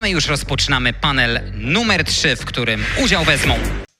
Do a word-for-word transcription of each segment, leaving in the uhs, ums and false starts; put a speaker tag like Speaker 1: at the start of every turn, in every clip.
Speaker 1: My już rozpoczynamy panel numer trzy, w którym udział wezmą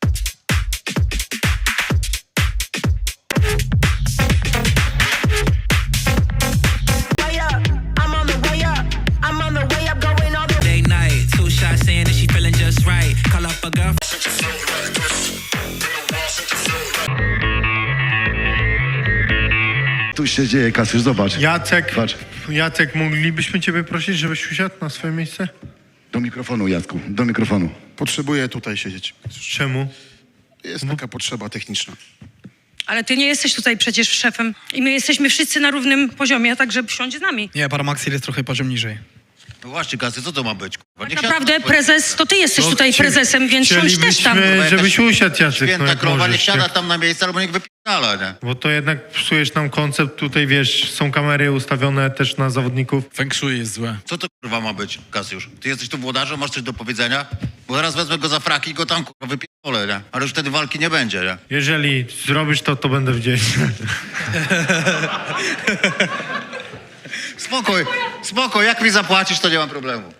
Speaker 2: Tu się dzieje, Kasiusz, zobacz.
Speaker 3: Jacek,
Speaker 2: Patrz.
Speaker 3: Jacek, moglibyśmy ciebie prosić, żebyś usiadł na swoje miejsce?
Speaker 2: Do mikrofonu, Jacku, do mikrofonu.
Speaker 4: Potrzebuję tutaj siedzieć.
Speaker 3: Czemu?
Speaker 4: Jest taka potrzeba techniczna.
Speaker 5: Ale ty nie jesteś tutaj przecież szefem i my jesteśmy wszyscy na równym poziomie, także siądź z nami.
Speaker 6: Nie, Paramaxil jest trochę poziom niżej.
Speaker 7: No właśnie, Kasy, co to ma być? Kurwa?
Speaker 5: Tak
Speaker 7: Niech
Speaker 5: naprawdę
Speaker 7: siada-
Speaker 5: prezes, to ty jesteś
Speaker 3: No,
Speaker 5: tutaj
Speaker 3: chci-
Speaker 5: prezesem, więc siądź też tam.
Speaker 3: Chcielibyśmy, żebyś usiadł, Jacek, no
Speaker 7: Święta
Speaker 3: jak
Speaker 7: krowa, niech
Speaker 3: możesz.
Speaker 7: siada
Speaker 3: Jak,
Speaker 7: tam na miejsce, albo niech wypierdala, nie?
Speaker 3: bo to jednak psujesz nam koncept, tutaj wiesz, są kamery ustawione też na zawodników.
Speaker 6: Feng Shui jest złe.
Speaker 7: Co to kurwa ma być, Kasiusz? Ty jesteś tu włodarzem, masz coś do powiedzenia? Bo zaraz wezmę go za fraki i go tam kurwa wypierdolę, nie? Ale już wtedy walki nie będzie, nie?
Speaker 3: Jeżeli zrobisz to, to będę wdzięczny.
Speaker 7: Spokój, spokój, jak mi zapłacisz, to nie mam problemu.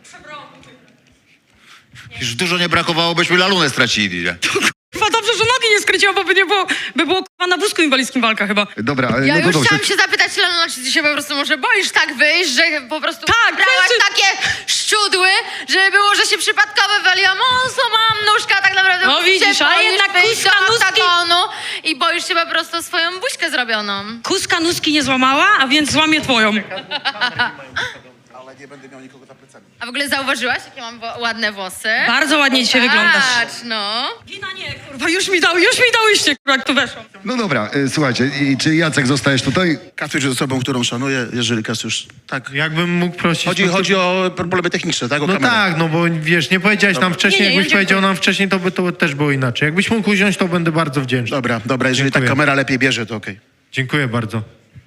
Speaker 7: Już dużo nie brakowało, byśmy lalunę stracili, nie?
Speaker 5: Chyba dobrze, że nogi nie skręciła, bo by nie było, by było k***a na wózku inwalidzkim walka chyba.
Speaker 2: Dobra, ale
Speaker 8: Ja
Speaker 2: no to
Speaker 8: już
Speaker 2: dobrze.
Speaker 8: chciałam się zapytać, Lena, czy ty się po prostu może boisz tak wyjść, że po prostu
Speaker 5: Tak,
Speaker 8: brałaś
Speaker 5: wszyscy-
Speaker 8: takie szczudły, że było, że się przypadkowo waliłam, o, złamałam nóżkę, a tak naprawdę
Speaker 5: No
Speaker 8: musisz
Speaker 5: widzisz,
Speaker 8: się
Speaker 5: a
Speaker 8: boisz
Speaker 5: jednak
Speaker 8: wyjść
Speaker 5: kuska
Speaker 8: do
Speaker 5: nóżki-
Speaker 8: oktagonu i boisz się po prostu o swoją buźkę zrobioną.
Speaker 5: Kuska nóżki nie złamała, a więc złamie twoją.
Speaker 4: Ale nie będę miał nikogo za plecami.
Speaker 8: A w ogóle zauważyłaś, jakie mam wo- ładne włosy?
Speaker 5: Bardzo ładnie dzisiaj wyglądasz.
Speaker 8: Patrz, no.
Speaker 5: Wina nie, kurwa, już mi dał, już mi dałyście, kurwa, jak tu weszłam.
Speaker 2: No dobra, y, słuchajcie, i czy Jacek zostajesz tutaj?
Speaker 4: Kasiusz jest osobą, którą szanuję, jeżeli Kasiusz... Tak.
Speaker 3: Jakbym mógł prosić...
Speaker 4: Chodzi,
Speaker 3: no to-
Speaker 4: chodzi o problemy techniczne, tak? O
Speaker 3: No
Speaker 4: kamerę.
Speaker 3: tak, no bo wiesz, nie powiedziałeś nam wcześniej,
Speaker 5: Nie, nie, ja
Speaker 3: jakbyś
Speaker 5: dziękuję.
Speaker 3: powiedział nam wcześniej, to by to też było inaczej. Jakbyś mógł usiąść, to będę bardzo wdzięczny.
Speaker 4: Dobra, dobra, jeżeli
Speaker 3: Dziękuję.
Speaker 4: tak kamera lepiej bierze, to okej.
Speaker 3: Dziękuję bardzo.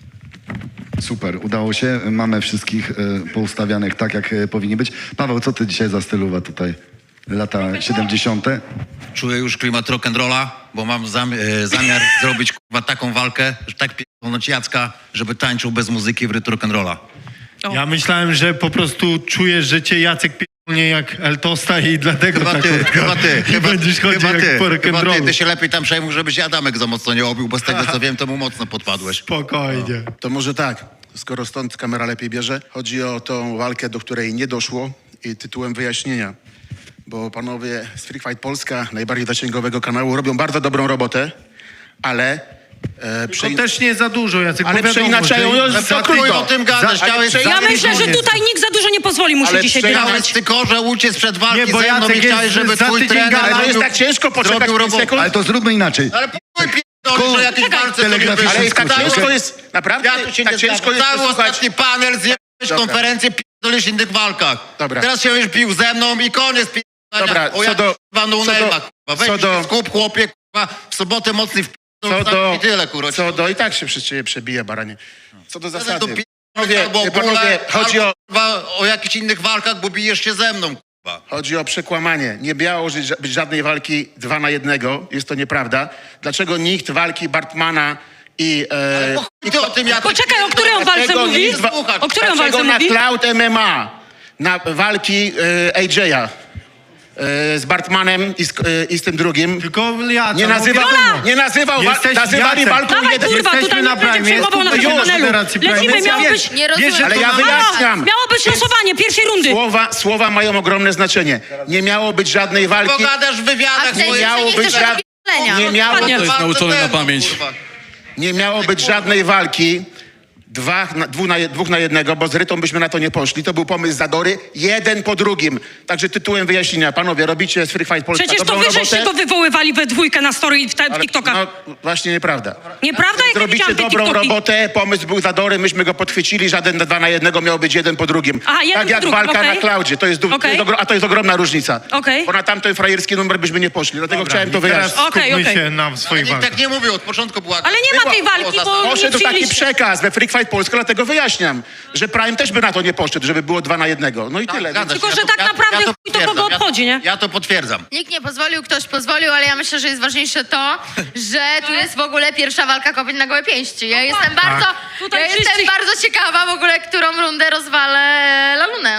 Speaker 2: Super, udało się. Mamy wszystkich y, poustawianych tak, jak y, powinni być. Paweł, co ty dzisiaj za stylowa tutaj? Lata siedemdziesiąte.
Speaker 7: Czuję już klimat rock'n'rolla, bo mam zam e, zamiar zrobić kurwa taką walkę, że tak pierdolnąć Jacka, żeby tańczył bez muzyki w rytm rock'n'rolla.
Speaker 5: O.
Speaker 3: Ja myślałem, że po prostu czujesz, że cię Jacek pierdolnie jak Eltosta i dlatego
Speaker 7: Chyba
Speaker 3: ta
Speaker 7: ty,
Speaker 3: kurtka.
Speaker 7: chyba ty,
Speaker 3: I
Speaker 7: chyba,
Speaker 3: będziesz chodził
Speaker 7: chyba
Speaker 3: jak
Speaker 7: ty,
Speaker 3: po
Speaker 7: chyba ty,
Speaker 3: rock'n'rollu.
Speaker 7: ty się lepiej tam przejmuj, żebyś Adamek za mocno nie obił, bo z tego co wiem, to mu mocno podpadłeś.
Speaker 3: Spokojnie.
Speaker 4: To może tak, skoro stąd kamera lepiej bierze, chodzi o tą walkę, do której nie doszło i tytułem wyjaśnienia. Bo panowie z Free Fight Polska, najbardziej zasięgowego kanału, robią bardzo dobrą robotę, ale... E,
Speaker 3: To
Speaker 4: prze-
Speaker 3: też nie za dużo, Jacek.
Speaker 4: Ale
Speaker 3: bo wiadomo,
Speaker 4: przeinaczają,
Speaker 3: że-
Speaker 4: no,
Speaker 3: za
Speaker 4: za
Speaker 7: Krój
Speaker 3: tydzień-
Speaker 7: o tym gadasz,
Speaker 4: za- ale
Speaker 7: chciałeś...
Speaker 4: prze-
Speaker 5: Ja
Speaker 4: Za
Speaker 5: myślę, że
Speaker 4: tydzień-
Speaker 5: tutaj nikt za dużo nie pozwoli mu się
Speaker 4: Ale
Speaker 5: dzisiaj
Speaker 4: przeja-
Speaker 5: wygadać.
Speaker 7: Chciałeś tylko, że uciec przed walki
Speaker 3: Nie, bo
Speaker 7: ze mną
Speaker 3: Jacek
Speaker 7: i chciałeś,
Speaker 3: jest
Speaker 7: żeby
Speaker 3: za
Speaker 7: twój
Speaker 3: tydzień
Speaker 7: trener
Speaker 3: gada,
Speaker 4: Ale to jest
Speaker 7: zrobił-
Speaker 4: tak ciężko poczekać
Speaker 7: zrobił
Speaker 4: pięć
Speaker 7: robotę.
Speaker 4: sekund.
Speaker 2: Ale to zróbmy inaczej.
Speaker 7: Ale p***j pierdolisz, że jakieś
Speaker 5: Czekaj.
Speaker 7: walce
Speaker 2: Telegraficznie
Speaker 7: sobie
Speaker 4: Ale jest tak
Speaker 2: skrócie,
Speaker 4: ciężko
Speaker 2: okej?
Speaker 4: jest, naprawdę,
Speaker 7: Ja tu się
Speaker 4: tak
Speaker 7: nie
Speaker 4: ciężko
Speaker 7: zgadzam.
Speaker 4: jest
Speaker 7: Cały
Speaker 4: posłuchać.
Speaker 7: ostatni panel, zjebałeś
Speaker 4: Dobra.
Speaker 7: konferencję, pierdolisz w innych walkach.
Speaker 4: Dobra.
Speaker 7: Teraz się już pił ze mną i koniec pierdolenia.
Speaker 4: Dobra,
Speaker 7: o
Speaker 4: co
Speaker 7: jak
Speaker 4: do-
Speaker 7: kurwa no
Speaker 4: co do-
Speaker 7: name'a, kurwa. Weź
Speaker 4: co
Speaker 7: się
Speaker 4: do-
Speaker 7: skup, chłopie, kurwa, w sobotę mocny w
Speaker 4: Co do,
Speaker 7: i tyle, kurwa.
Speaker 4: co do, i tak się przez ciebie przebije, baranie. Co do
Speaker 7: Teraz
Speaker 4: zasady.
Speaker 7: to pi-
Speaker 4: Panowie,
Speaker 7: albo o
Speaker 4: panowie,
Speaker 7: bóle,
Speaker 4: chodzi
Speaker 7: albo,
Speaker 4: o,
Speaker 7: kurwa, o jakichś innych walkach, bo bijesz się ze mną, kurwa.
Speaker 4: chodzi o przekłamanie. Nie miało żyć- być żadnej walki dwa na jednego. Jest to nieprawda. Dlaczego nikt walki Bartmana i... E,
Speaker 7: Po chuj ty o tym, ja
Speaker 5: Poczekaj, o której on walce
Speaker 4: Dlaczego
Speaker 5: mówi?
Speaker 4: nikt wa-
Speaker 5: O której on walce
Speaker 4: dlaczego na
Speaker 5: mówi?
Speaker 4: Cloud M M A, na walki e, A J-a e, z Bartmanem i z, e, i z tym drugim...
Speaker 3: Tylko Jacek.
Speaker 4: Nie nazywał,
Speaker 3: no wiadomo.
Speaker 4: nie nazywał, wa-
Speaker 3: Jesteś
Speaker 4: nazywali
Speaker 3: Jacek.
Speaker 4: walką
Speaker 5: Dawaj,
Speaker 4: jeden...
Speaker 5: kurwa,
Speaker 3: Jesteśmy
Speaker 5: tutaj
Speaker 3: na
Speaker 5: nie będzie
Speaker 3: Prime,
Speaker 5: przejmował
Speaker 3: jest
Speaker 5: naszego
Speaker 3: tutaj
Speaker 5: panelu.
Speaker 3: Federacji Prime,
Speaker 5: Lecimy,
Speaker 3: więc
Speaker 5: miało
Speaker 3: ja
Speaker 5: być...
Speaker 3: wiem,
Speaker 8: Nie
Speaker 3: wiesz,
Speaker 8: rozumiem.
Speaker 3: że
Speaker 4: Ale
Speaker 3: to
Speaker 4: ja
Speaker 3: na-
Speaker 4: wyjaśniam.
Speaker 5: Miało być losowanie pierwszej rundy.
Speaker 4: Słowa, słowa mają ogromne znaczenie. Nie miało być żadnej walki.
Speaker 7: Pogadasz w
Speaker 8: A
Speaker 7: wywiadach,
Speaker 8: w tej
Speaker 7: bo
Speaker 4: miało
Speaker 8: nie
Speaker 4: być
Speaker 8: chcesz
Speaker 4: żad-
Speaker 8: robić szkolenia.
Speaker 4: Nie miało,
Speaker 5: Dokładnie.
Speaker 6: To jest nauczone na pamięć.
Speaker 4: nie miało być żadnej walki. Dwa, na, dwóch, na, dwóch na jednego, bo z Rytą byśmy na to nie poszli. To był pomysł Zadory, jeden po drugim. Także tytułem wyjaśnienia. Panowie, robicie z Free Fight Polska
Speaker 5: Przecież to
Speaker 4: dobrą
Speaker 5: wy
Speaker 4: robotę.
Speaker 5: żeście go wywoływali we dwójkę na story i w te- w
Speaker 4: ale-
Speaker 5: TikTokach.
Speaker 4: No właśnie nieprawda.
Speaker 5: Nieprawda? Jak ja
Speaker 4: Robicie
Speaker 5: widziałam te
Speaker 4: dobrą
Speaker 5: TikToki.
Speaker 4: robotę, pomysł był Zadory, myśmy go podchwycili, żaden dwa na jednego miał być jeden po drugim.
Speaker 5: Aha, jeden
Speaker 4: tak
Speaker 5: po
Speaker 4: jak
Speaker 5: drugim,
Speaker 4: walka
Speaker 5: okej.
Speaker 4: na Klaudzie, to jest, du- to
Speaker 5: Okej.
Speaker 4: jest ogro- a to jest ogromna różnica.
Speaker 5: Okej.
Speaker 4: Bo na tamten frajerski numer byśmy nie poszli, dlatego
Speaker 3: Dobra,
Speaker 4: chciałem to
Speaker 3: i teraz
Speaker 4: wyjaśnić.
Speaker 5: Okej,
Speaker 3: skupmy
Speaker 5: okej.
Speaker 3: się na
Speaker 7: Ale
Speaker 3: swoich
Speaker 7: nikt
Speaker 3: walkach.
Speaker 7: tak nie mówił, od początku była...
Speaker 5: Ale nie ma tej walki, bo nie
Speaker 4: Poszedł taki
Speaker 5: przyjęliście.
Speaker 4: przekaz we Free Fight Polska, dlatego wyjaśniam, że Prime też by na to nie poszedł, żeby było dwa na jednego. No i tyle.
Speaker 7: Zgadza
Speaker 4: Więc-
Speaker 7: się,
Speaker 5: Tylko, że tak naprawdę chuj to
Speaker 7: potwierdzam,
Speaker 5: kogo
Speaker 7: ja-
Speaker 5: obchodzi, nie?
Speaker 7: Ja to potwierdzam.
Speaker 8: Nikt nie pozwolił, ktoś pozwolił, ale ja myślę, że jest ważniejsze to, że tu jest w ogóle pierwsza walka kobiet na gołe pięści. Ja jestem bardzo,
Speaker 5: Tutaj
Speaker 8: ja jestem
Speaker 5: wszyscy-
Speaker 8: bardzo ciekawa w ogóle, którą rundę rozwalę Lalunę.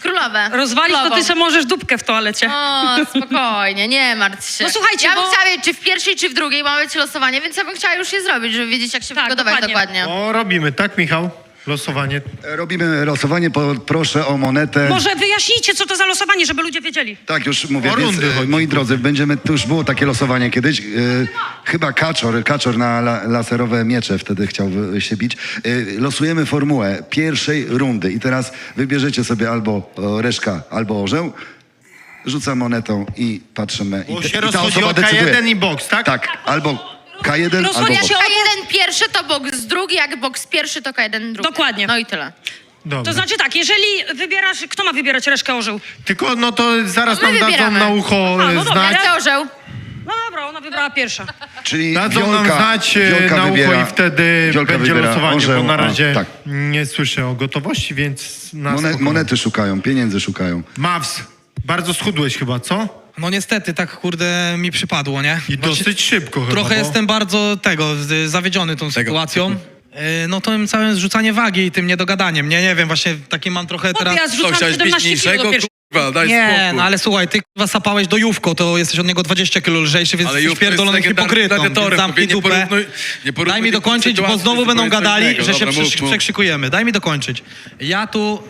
Speaker 8: Królowe.
Speaker 5: Rozwalić to
Speaker 8: Królową.
Speaker 5: ty se możesz dupkę w toalecie.
Speaker 8: O, spokojnie, nie martw się.
Speaker 5: No słuchajcie,
Speaker 8: ja bym
Speaker 5: bo-
Speaker 8: chciała wiedzieć, czy w pierwszej, czy w drugiej ma być losowanie, więc ja bym chciała już je zrobić, żeby wiedzieć, jak się
Speaker 5: Tak,
Speaker 8: przygotować
Speaker 5: dokładnie.
Speaker 8: dokładnie.
Speaker 3: O, robimy, tak Michał? Losowanie.
Speaker 2: Robimy losowanie, po, proszę o monetę.
Speaker 5: Może wyjaśnijcie, co to za losowanie, żeby ludzie wiedzieli.
Speaker 2: Tak, już mówię,
Speaker 3: O
Speaker 2: więc,
Speaker 3: rundy
Speaker 2: e,
Speaker 3: chodzi.
Speaker 2: moi drodzy, będziemy, to już było takie losowanie kiedyś, e, chyba Kaczor, Kaczor na la, laserowe miecze wtedy chciał wy- się bić. E, losujemy formułę pierwszej rundy i teraz wybierzecie sobie albo o, reszka, albo orzeł, rzucam monetą i patrzymy.
Speaker 3: Bo
Speaker 2: I, te-
Speaker 3: się
Speaker 2: i ta
Speaker 3: rozchodzi
Speaker 2: osoba
Speaker 3: o K
Speaker 2: decyduje.
Speaker 3: jeden i boks, tak?
Speaker 2: Tak, albo K jeden, albo
Speaker 5: Rozchodzi
Speaker 2: boks.
Speaker 5: się
Speaker 8: K jeden pierwszy to boks drugi, jak boks pierwszy to K jeden drugi.
Speaker 5: Dokładnie.
Speaker 8: No i tyle.
Speaker 3: Dobra.
Speaker 5: To znaczy tak, jeżeli wybierasz, kto ma wybierać reszkę orzeł?
Speaker 3: Tylko no to zaraz
Speaker 8: My
Speaker 3: nam dadzą
Speaker 8: wybieramy.
Speaker 3: na ucho
Speaker 5: Aha,
Speaker 3: e,
Speaker 5: no dobra,
Speaker 3: znać.
Speaker 8: Ja chcę orzeł.
Speaker 5: No dobra, ona wybrała pierwsza.
Speaker 2: Czyli
Speaker 3: Dadzą
Speaker 2: Wiolka,
Speaker 3: nam znać e,
Speaker 2: Wiolka
Speaker 3: na ucho
Speaker 2: wybiera,
Speaker 3: i wtedy
Speaker 2: Wiolka
Speaker 3: będzie
Speaker 2: wybiera
Speaker 3: losowanie,
Speaker 2: orzeł,
Speaker 3: bo na
Speaker 2: a,
Speaker 3: razie
Speaker 2: tak.
Speaker 3: nie słyszę o gotowości, więc na
Speaker 2: Monet,
Speaker 3: spokojnie.
Speaker 2: monety szukają, pieniędzy szukają.
Speaker 3: Maws, bardzo schudłeś chyba, co?
Speaker 6: No niestety, tak kurde mi przypadło, nie?
Speaker 3: I dosyć szybko chyba.
Speaker 6: Trochę
Speaker 3: bo...
Speaker 6: jestem bardzo tego, z- zawiedziony tą sytuacją. Yy, No tym całym zrzucanie wagi i tym niedogadaniem, nie, nie wiem, właśnie taki mam trochę
Speaker 5: Chłopie,
Speaker 6: teraz...
Speaker 5: ja zrzucam siedemnaście kilo do pierwszej.
Speaker 9: Kurwa, daj
Speaker 6: Nie,
Speaker 9: spokój.
Speaker 6: no ale słuchaj, ty kurwa sapałeś do Jówko, to jesteś od niego dwadzieścia kilo lżejszy, więc
Speaker 9: Ale
Speaker 6: jesteś
Speaker 9: Jówko jest
Speaker 6: pierdolonym
Speaker 9: legendarnym
Speaker 6: hipokrytą, więc
Speaker 9: gladiatorem,
Speaker 6: zamknij
Speaker 9: nie
Speaker 6: dupę.
Speaker 9: porównuj- nie porównuj
Speaker 6: Daj mi
Speaker 9: tej
Speaker 6: dokończyć, bo
Speaker 9: sytuacji,
Speaker 6: znowu
Speaker 9: to
Speaker 6: będą
Speaker 9: jest co
Speaker 6: gadali,
Speaker 9: innego.
Speaker 6: że się
Speaker 9: Dobra,
Speaker 6: przy,
Speaker 9: mów, mów.
Speaker 6: przekrzykujemy. Daj mi dokończyć. Ja tu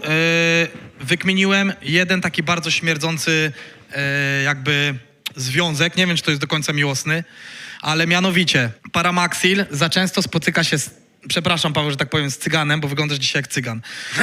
Speaker 6: yy, wykminiłem jeden taki bardzo śmierdzący yy, jakby związek, nie wiem, czy to jest do końca miłosny, ale mianowicie Paramaxil za często spotyka się z, przepraszam Paweł, że tak powiem, z cyganem, bo wyglądasz dzisiaj jak cygan.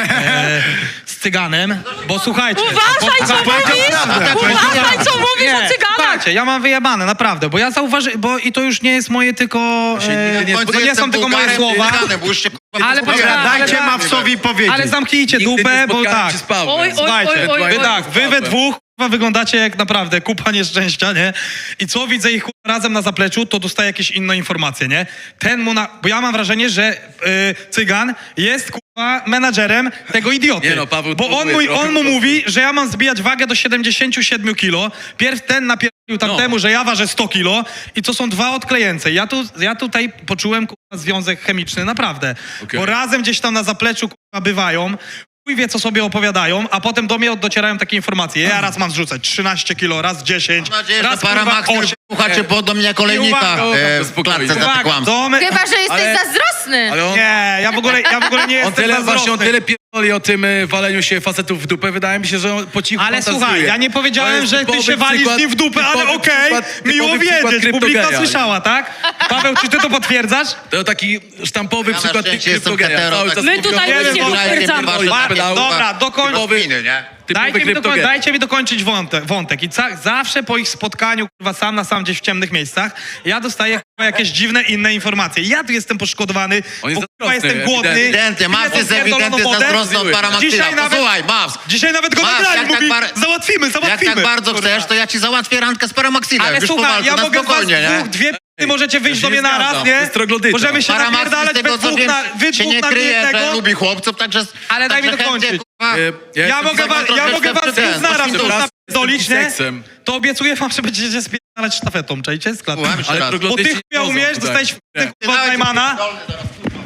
Speaker 6: E, z cyganem, bo słuchajcie...
Speaker 5: Uważaj, co mówisz! Uważaj, co mówisz o cyganach!
Speaker 6: Słuchajcie, ja mam wyjebane, naprawdę, bo ja zauważyłem, bo i to już nie jest moje tylko... E,
Speaker 7: W końcu
Speaker 6: to nie
Speaker 7: jestem
Speaker 6: są tylko moje
Speaker 7: Bułgarem,
Speaker 6: słowa.
Speaker 7: Cyganem, bo już się, kurwa,
Speaker 6: Ale
Speaker 7: posłuchałem.
Speaker 6: poczekaj,
Speaker 3: Dajcie
Speaker 6: ale-
Speaker 3: Mawsowi powiedzieć.
Speaker 6: Ale zamknijcie
Speaker 9: Nigdy
Speaker 6: dupę,
Speaker 9: nie
Speaker 6: bo
Speaker 9: spotkałem
Speaker 6: tak.
Speaker 9: się z Pawłem.
Speaker 5: Oj, oj,
Speaker 6: Słuchajcie,
Speaker 5: oj, oj,
Speaker 6: wy
Speaker 5: oj.
Speaker 6: tak, wy we dwóch kurwa, wyglądacie jak naprawdę kupa nieszczęścia, nie? I co widzę ich kurwa, razem na zapleczu, to dostaję jakieś inne informacje, nie? Ten mu na... Bo ja mam wrażenie, że y, cygan jest kurwa menadżerem tego idioty.
Speaker 9: Nie no, Paweł
Speaker 6: bo on,
Speaker 9: próbuje
Speaker 6: mój,
Speaker 9: trochę
Speaker 6: on mu
Speaker 9: po prostu.
Speaker 6: mówi, że ja mam zbijać wagę do siedemdziesiąt siedem kilo. Pierw ten napierdolił tamtemu,
Speaker 9: No.
Speaker 6: że ja ważę sto kilo i to są dwa odklejęce. Ja, tu, ja tutaj poczułem kurwa, związek chemiczny, naprawdę.
Speaker 9: Okej.
Speaker 6: Bo razem gdzieś tam na zapleczu kurwa, bywają. Chuj wie, co sobie opowiadają, a potem do mnie docierają takie informacje. Ja raz mam zrzucać trzynaście kilo, raz dziesięć,
Speaker 7: Mam nadzieję, że
Speaker 6: raz kurwa
Speaker 7: Paramaxil
Speaker 6: osiem.
Speaker 7: słuchacie pod mnie kolejnika
Speaker 6: uwaga,
Speaker 7: e, w
Speaker 9: spokojnie.
Speaker 7: klatce za te
Speaker 6: Uwaga,
Speaker 7: kłamstwa.
Speaker 6: do me...
Speaker 8: Chyba, że jesteś
Speaker 9: Ale-
Speaker 8: zazdrosny.
Speaker 9: Ale on,
Speaker 6: Nie, ja w ogóle, ja w ogóle nie
Speaker 9: on
Speaker 6: jestem
Speaker 9: tyle, właśnie on
Speaker 6: zazdrosny.
Speaker 9: tyle pierdoli o tym e, waleniu się facetów w dupę. Wydaje mi się, że on po cichu
Speaker 6: Ale
Speaker 9: fantazuje.
Speaker 6: słuchaj, ja nie
Speaker 9: To
Speaker 6: powiedziałem,
Speaker 9: jest
Speaker 6: że ty
Speaker 9: typowy
Speaker 6: się walisz
Speaker 9: przykład-
Speaker 6: nie w dupę, ale
Speaker 9: typowy
Speaker 6: okej,
Speaker 9: przykład-
Speaker 6: miło
Speaker 9: typowy przykład
Speaker 6: wiedzieć, publika
Speaker 9: kryptogeja.
Speaker 6: słyszała, tak? Paweł, czy ty to potwierdzasz?
Speaker 9: To taki sztampowy
Speaker 7: Ja na
Speaker 9: przykład
Speaker 7: szczęście jestem
Speaker 9: kryptogeja.
Speaker 7: hetero,
Speaker 9: Cały
Speaker 7: tak-
Speaker 9: czas
Speaker 5: My
Speaker 9: mówią,
Speaker 5: tutaj
Speaker 9: że
Speaker 5: nic nie
Speaker 9: walczy,
Speaker 5: potwierdzamy.
Speaker 9: pierdoli z
Speaker 6: Ładnie,
Speaker 9: pedału,
Speaker 6: dobra,
Speaker 9: a
Speaker 6: dokończ.
Speaker 7: Typowy, nie?
Speaker 9: typowy
Speaker 6: Dajcie mi, dokoń,
Speaker 9: kryptogeja.
Speaker 6: dajcie mi dokończyć wątek. wątek. I ca, zawsze po ich spotkaniu, kurwa, sam na sam gdzieś w ciemnych miejscach, ja dostaję kurwa, jakieś dziwne inne informacje. Ja tu jestem poszkodowany,
Speaker 9: On jest
Speaker 6: bo kurwa,
Speaker 9: zazdrosny,
Speaker 6: jestem głodny.
Speaker 7: Ewidentnie,
Speaker 6: Ty
Speaker 7: Maws
Speaker 6: jesteś
Speaker 7: jest
Speaker 6: pierdoloną
Speaker 7: ewidentnie
Speaker 6: wodę.
Speaker 7: zazdrosny od Paramaxila.
Speaker 6: Dzisiaj nawet-
Speaker 7: Posłuchaj, Maws.
Speaker 6: Dzisiaj nawet go
Speaker 7: Masz,
Speaker 6: nagrali,
Speaker 7: jak tak
Speaker 6: mówi,
Speaker 7: bar-
Speaker 6: załatwimy, załatwimy.
Speaker 7: Jak tak bardzo
Speaker 6: Kurwa.
Speaker 7: chcesz, to ja ci załatwię randkę z Paramaxilem.
Speaker 6: Ale
Speaker 7: Już po
Speaker 6: słuchaj,
Speaker 7: walce,
Speaker 6: ja
Speaker 7: na
Speaker 6: mogę
Speaker 7: spokojnie,
Speaker 6: was
Speaker 7: nie?
Speaker 6: dwóch, dwie p***y możecie wyjść
Speaker 9: ja
Speaker 6: do
Speaker 9: się
Speaker 6: mnie
Speaker 9: nie
Speaker 6: naraz,
Speaker 9: zgadzam.
Speaker 6: nie?
Speaker 9: To jest troglodyta.
Speaker 6: Możemy się
Speaker 7: Paramaxil
Speaker 6: napierdalać
Speaker 7: z tego,
Speaker 6: we
Speaker 7: co
Speaker 6: dwóch
Speaker 7: wiem,
Speaker 6: na, wy
Speaker 7: się
Speaker 6: dwóch
Speaker 7: nie
Speaker 6: na
Speaker 7: kryje,
Speaker 6: jednego.
Speaker 7: że lubi chłopców, także...
Speaker 6: Ale daj mi
Speaker 7: także chętnie,
Speaker 6: dokończyć.
Speaker 7: kurwa,
Speaker 9: E,
Speaker 6: Ja,
Speaker 9: jestem
Speaker 6: mogę, was,
Speaker 7: trochę
Speaker 6: ja mogę was
Speaker 7: jestem
Speaker 6: dwóch naraz
Speaker 7: ten,
Speaker 6: tu
Speaker 9: raz
Speaker 6: napierdolić,
Speaker 9: jestem
Speaker 6: nie?
Speaker 9: seksem.
Speaker 6: To obiecuję wam, że będziecie spierdalać sztafetą, czajcie? Z klatki.
Speaker 7: Słucham jeszcze
Speaker 9: Ale
Speaker 7: raz.
Speaker 6: Bo
Speaker 9: troglodyci
Speaker 6: ty chuja
Speaker 9: nie
Speaker 6: umiesz,
Speaker 9: chodzą,
Speaker 6: dostajesz
Speaker 9: tak.
Speaker 6: f***nych
Speaker 7: Ty
Speaker 6: od
Speaker 7: nawet
Speaker 6: Najmana.
Speaker 7: pierdolny zaraz.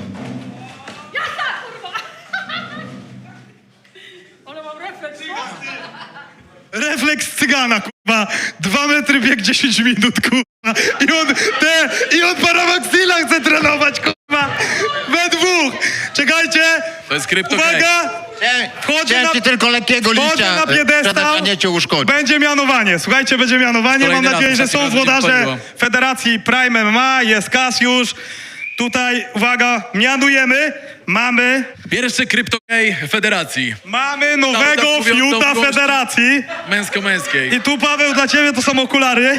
Speaker 6: Refleks cygana, kurwa. Dwa metry bieg dziesięć minut, kurwa. I on, te, i on Paramaxila chce trenować, kurwa. We dwóch. Czekajcie.
Speaker 9: To jest kryptogeja.
Speaker 6: Uwaga.
Speaker 7: Chciałem-
Speaker 6: Wchodzę
Speaker 7: Chciałem
Speaker 6: na-
Speaker 7: ci tylko lekkiego
Speaker 6: Wchodzę
Speaker 7: liścia,
Speaker 6: na piedestał.
Speaker 7: nie cię uszkodzi.
Speaker 6: Będzie mianowanie. Słuchajcie, będzie mianowanie.
Speaker 9: Kolejny
Speaker 6: Mam nadzieję,
Speaker 9: raz,
Speaker 6: że
Speaker 9: ostatni
Speaker 6: są
Speaker 9: raz będzie
Speaker 6: włodarze
Speaker 9: wchodziło.
Speaker 6: Federacji Prime M M A. Jest Kasiusz. Tutaj, uwaga, mianujemy. Mamy,
Speaker 9: Pierwszy kryptogej federacji.
Speaker 6: mamy nowego
Speaker 9: Cały czas mówią
Speaker 6: fiuta
Speaker 9: to głośno.
Speaker 6: Federacji.
Speaker 9: Męsko-męskiej.
Speaker 6: I tu, Paweł, dla ciebie to są okulary.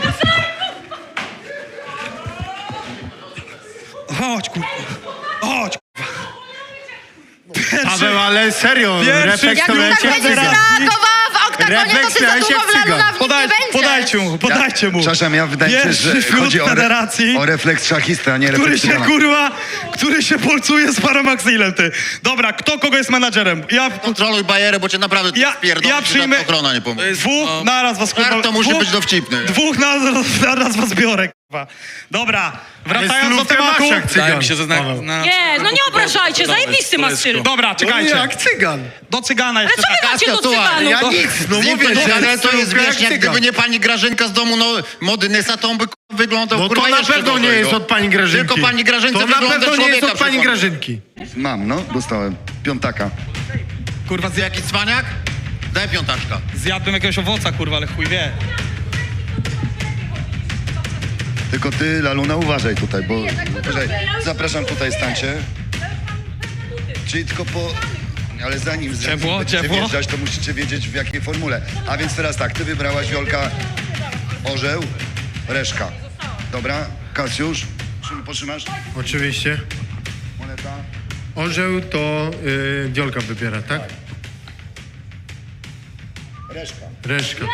Speaker 6: Chodź, kurwa. Chodź, kurwa. Pierwszy,
Speaker 3: Paweł, ale serio,
Speaker 6: Pierwszy-
Speaker 3: refleks
Speaker 8: Jak
Speaker 3: to
Speaker 8: ty tak
Speaker 3: leci jak
Speaker 8: będziesz
Speaker 3: cygan.
Speaker 8: reagowała w oktagonie, to
Speaker 3: Refleks
Speaker 8: ty za
Speaker 3: miałeś
Speaker 8: długo
Speaker 3: jak
Speaker 8: w
Speaker 3: cygan.
Speaker 8: Laluna w nim
Speaker 6: podaj,
Speaker 8: nie będziesz.
Speaker 6: podajcie mu, podajcie mu.
Speaker 2: Przepraszam, ja wydaje mi się,
Speaker 6: Pierwszy
Speaker 2: że chodzi o, re,
Speaker 6: federacji.
Speaker 2: o refleks szachisty, a nie
Speaker 6: Który
Speaker 2: refleks
Speaker 6: się,
Speaker 2: cygana.
Speaker 6: kurwa, który się polcuje z Paramaxilem, ty. Dobra, kto kogo jest menadżerem? Ja,
Speaker 7: Kontroluj bajerę, bo cię naprawdę
Speaker 6: Ja-
Speaker 7: ja, spierdolę,
Speaker 6: ja
Speaker 7: ja
Speaker 6: przyjmę-
Speaker 7: ochrona nie pomoże.
Speaker 9: To jest-
Speaker 6: dwóch
Speaker 9: no,
Speaker 6: naraz was, kurwa,
Speaker 7: Karto musi
Speaker 6: dwóch,
Speaker 7: być dowcipny.
Speaker 6: Dwóch naraz, naraz was biorę. kurwa. Dobra, wracając do
Speaker 3: stylówkę
Speaker 6: tematu.
Speaker 3: masz jak cygan,
Speaker 9: Wydaje mi się, że zna,
Speaker 3: Paweł.
Speaker 9: na,
Speaker 5: Nie, no nie obrażajcie,
Speaker 9: Dobra,
Speaker 5: zajebisty ma styl.
Speaker 6: Dobra, czekajcie.
Speaker 3: Jak cygan.
Speaker 6: Do cygana
Speaker 5: Ale
Speaker 6: jeszcze
Speaker 5: co wy
Speaker 6: tak.
Speaker 5: macie do
Speaker 7: słuchaj,
Speaker 5: cyganów?
Speaker 3: Ja
Speaker 5: No,
Speaker 3: nic, no
Speaker 7: Z nim
Speaker 3: mówię,
Speaker 7: to,
Speaker 3: że
Speaker 7: ale to jest
Speaker 3: stylówka jak
Speaker 7: wieśniak,
Speaker 3: cygan.
Speaker 7: gdyby nie pani Grażynka z domu no, mody Nysa, to on by kurwa, wyglądał
Speaker 3: No to
Speaker 7: kurwa
Speaker 3: na
Speaker 7: jeszcze
Speaker 3: pewno nie
Speaker 7: gorzej,
Speaker 3: jest
Speaker 7: no.
Speaker 3: od pani Grażynki.
Speaker 7: Tylko pani Grażynce
Speaker 3: To na
Speaker 7: wygląda
Speaker 3: pewno nie jest
Speaker 7: człowieka
Speaker 3: od pani
Speaker 7: przykład.
Speaker 3: Grażynki.
Speaker 2: Mam, no, dostałem. Piątaka.
Speaker 6: Kurwa, zja-
Speaker 7: Jaki cwaniak? Daj piątaczka.
Speaker 6: zjadłem jakiegoś owoca, kurwa, ale chuj wie.
Speaker 2: Tylko ty, Laluna, uważaj tutaj, bo... Uważaj. Zapraszam tutaj, stańcie. Czyli tylko po... Ale zanim, zanim
Speaker 6: Ciepło,
Speaker 2: będziecie
Speaker 6: ciepło.
Speaker 2: wjeżdżać, to musicie wiedzieć, w jakiej formule. A więc teraz tak, ty wybrałaś, Wiolka, orzeł, reszka. Dobra, Kasiusz, Szym, potrzymasz?
Speaker 3: Oczywiście.
Speaker 2: Moneta.
Speaker 3: Orzeł to y, Wiolka wybiera, tak?
Speaker 2: Reszka.
Speaker 3: Reszka.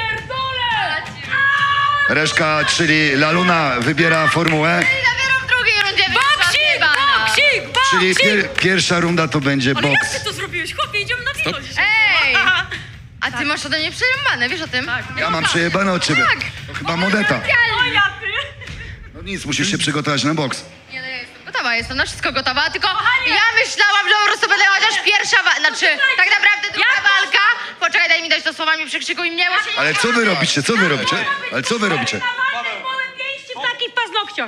Speaker 2: Reszka, czyli Laluna wybiera formułę,
Speaker 8: I dopiero w drugiej rundzie wyszła
Speaker 5: Boksik,
Speaker 8: zjebana.
Speaker 5: boksik,
Speaker 2: czyli
Speaker 5: boksik!
Speaker 2: pier, pierwsza runda to będzie
Speaker 5: Ale jak
Speaker 2: boks.
Speaker 5: ty to zrobiłeś? Chłopie, idziemy na wino dzisiaj.
Speaker 8: Ej! A ty masz ode mnie przerąbane, wiesz o tym? Tak.
Speaker 2: Ja mam przejebane od ciebie.
Speaker 8: Tak.
Speaker 2: To chyba modeta.
Speaker 5: O ja ty!
Speaker 2: No nic, musisz się przygotować na boks.
Speaker 8: Nie, no ja jestem gotowa, jestem na wszystko gotowa, tylko ja myślałam, że po prostu będę chociaż pierwsza wa- znaczy tak naprawdę druga walka. Poczekaj, daj mi dać to słowami, przykrzykuj mnie, bo się nie
Speaker 2: Ale co wy robicie? Co wy robicie? Ale co wy robicie?
Speaker 5: Małe pięści w takich paznokciach.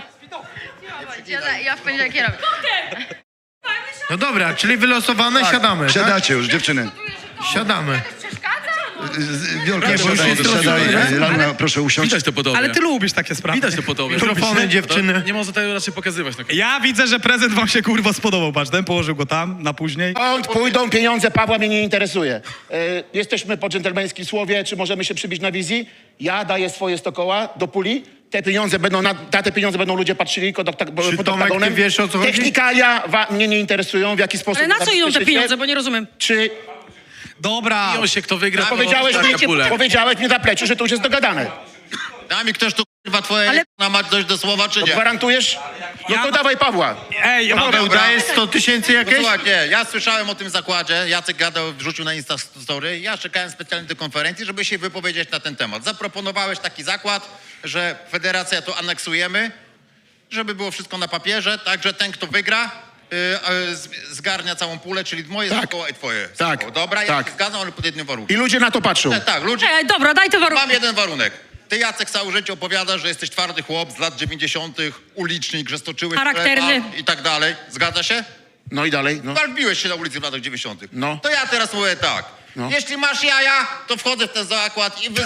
Speaker 8: Ja, ja w poniedziałek je robię.
Speaker 3: No dobra, czyli wylosowane, siadamy, tak?
Speaker 2: Siadacie już, dziewczyny.
Speaker 3: Siadamy.
Speaker 2: Z- Wiolka,
Speaker 3: Nie, bo już
Speaker 2: siadaj,
Speaker 3: jest
Speaker 2: siadaj.
Speaker 3: rozwiązane.
Speaker 2: Laluna, proszę usiąść.
Speaker 9: Widać to po tobie.
Speaker 6: Ale ty lubisz takie sprawy.
Speaker 9: Widać to po tobie.
Speaker 3: Mikrofony, dziewczyny.
Speaker 9: Nie można tego raczej pokazywać. No.
Speaker 6: Ja widzę, że prezent wam się kurwa spodobał, patrz, ten położył go tam, na później.
Speaker 10: Skąd pójdą pieniądze, Pawła mnie nie interesuje. E, jesteśmy po dżentelmeńskim słowie, czy możemy się przybić na wizji? Ja daję swoje sto koła do puli. Te pieniądze będą, na, na te pieniądze będą ludzie patrzyli pod, okta-
Speaker 3: Czy
Speaker 10: pod
Speaker 3: Tomek,
Speaker 10: oktagonem.
Speaker 3: ty wiesz, o co chodzi?
Speaker 10: Technikalia wa, mnie nie interesują, w jaki sposób...
Speaker 5: Ale na co idą te
Speaker 10: zabezpieczycie.
Speaker 5: pieniądze, bo nie rozumiem.
Speaker 10: Czy
Speaker 6: Dobra.
Speaker 9: Biją się, kto wygra, to
Speaker 10: powiedziałeś mi,
Speaker 9: dostanie pulę.
Speaker 10: powiedziałeś mi na pleciu, że to już jest dogadane.
Speaker 7: Daj mi ktoś tu kurwa twoje
Speaker 5: Ale-
Speaker 7: na mać dojść do słowa, czy nie?
Speaker 10: Gwarantujesz? No
Speaker 6: Ja-
Speaker 10: to dawaj Pawła.
Speaker 6: Ej,
Speaker 3: Paweł,
Speaker 7: dobra.
Speaker 3: dajesz sto tysięcy
Speaker 7: No
Speaker 3: jakieś?
Speaker 7: słuchaj, nie, ja słyszałem o tym zakładzie, Jacek gadał, wrzucił na Insta Story, ja czekałem specjalnie do konferencji, żeby się wypowiedzieć na ten temat. Zaproponowałeś taki zakład, że federacja to aneksujemy, żeby było wszystko na papierze, tak, że ten, kto wygra, yy, yy, z- zgarnia całą pulę, czyli moje
Speaker 10: Tak.
Speaker 7: sto koła i twoje.
Speaker 10: Tak.
Speaker 7: sto. Dobra, ja
Speaker 10: Tak.
Speaker 7: się zgadzam, ale pod jednym
Speaker 10: I
Speaker 7: warunkiem.
Speaker 10: ludzie na to patrzą.
Speaker 7: Tak, tak, ludzie,
Speaker 5: Ej, dobra, daj te warunki.
Speaker 7: mam jeden warunek. Ty, Jacek, całe życie opowiadasz, że jesteś twardy chłop z lat dziewięćdziesiątych, ulicznik, że stoczyłeś
Speaker 5: Charakterny.
Speaker 7: chleba i tak dalej. Zgadza się?
Speaker 10: No i dalej, no.
Speaker 7: Walbiłeś się na ulicy w latach dziewięćdziesiątych.
Speaker 10: No.
Speaker 7: To ja teraz mówię tak.
Speaker 10: No.
Speaker 7: Jeśli masz jaja, to wchodzę w ten zakład i wy...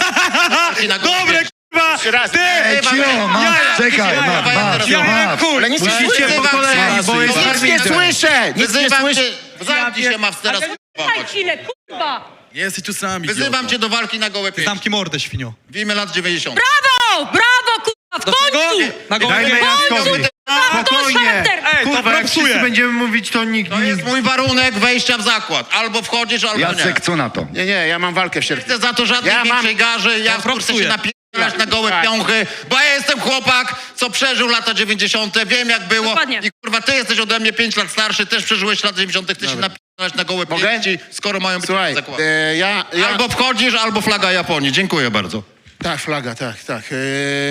Speaker 7: na
Speaker 6: Dobre, kurwa!
Speaker 10: Jeszcze raz.
Speaker 6: Ty!
Speaker 2: Ej, cio, masz, czekaj, masz, masz,
Speaker 6: Ja jak
Speaker 2: masz.
Speaker 6: chuj!
Speaker 10: Ale nic nie
Speaker 3: Musicie
Speaker 10: słyszę.
Speaker 3: po kolei, bo jest
Speaker 10: Nic nie słyszę! Nic nie
Speaker 7: Wyzywam
Speaker 10: słyszę.
Speaker 7: cię, zamknij się, masz teraz
Speaker 5: Daj chwilę, kurwa!
Speaker 9: Nie jesteś tu sami.
Speaker 7: Wyzywam cię do walki na gołe pięści.
Speaker 6: Zamknij mordę, świnio.
Speaker 7: W imię lat dziewięćdziesiątych.
Speaker 5: Brawo, brawo, kurwa, w końcu!
Speaker 6: Na gołę
Speaker 3: Dajmy Jackowi.
Speaker 5: Brawo, to masz
Speaker 3: Spokojnie.
Speaker 5: charakter!
Speaker 6: Ej, to
Speaker 3: Kurwa, jak
Speaker 6: propsuje.
Speaker 3: wszyscy będziemy mówić, to nikt
Speaker 7: To
Speaker 3: nie...
Speaker 7: jest mój warunek wejścia w zakład. Albo wchodzisz, albo
Speaker 2: Jacek,
Speaker 7: nie.
Speaker 2: co na to?
Speaker 10: Nie, nie, ja mam walkę w
Speaker 7: Nie
Speaker 10: sierpniu.
Speaker 7: chcę za to żadnej
Speaker 10: Ja mam-
Speaker 7: większej garzy, ja chcę
Speaker 6: propsuję.
Speaker 7: się napierdalać na gołe
Speaker 10: Tak.
Speaker 7: piąchy, bo ja jestem chłopak, co przeżył lata dziewięćdziesiąte, wiem jak było.
Speaker 5: Dokładnie.
Speaker 7: I kurwa, ty jesteś ode mnie pięć lat starszy, też przeżyłeś lata dziewięćdziesiąte, ty się napierdalać na gołe
Speaker 10: Mogę?
Speaker 7: pięści, skoro mają być
Speaker 10: Słuchaj,
Speaker 7: zakłady.
Speaker 10: e, ja... ja
Speaker 7: Albo wchodzisz, albo flaga Japonii. Dziękuję bardzo.
Speaker 10: Tak, flaga, tak, tak. E,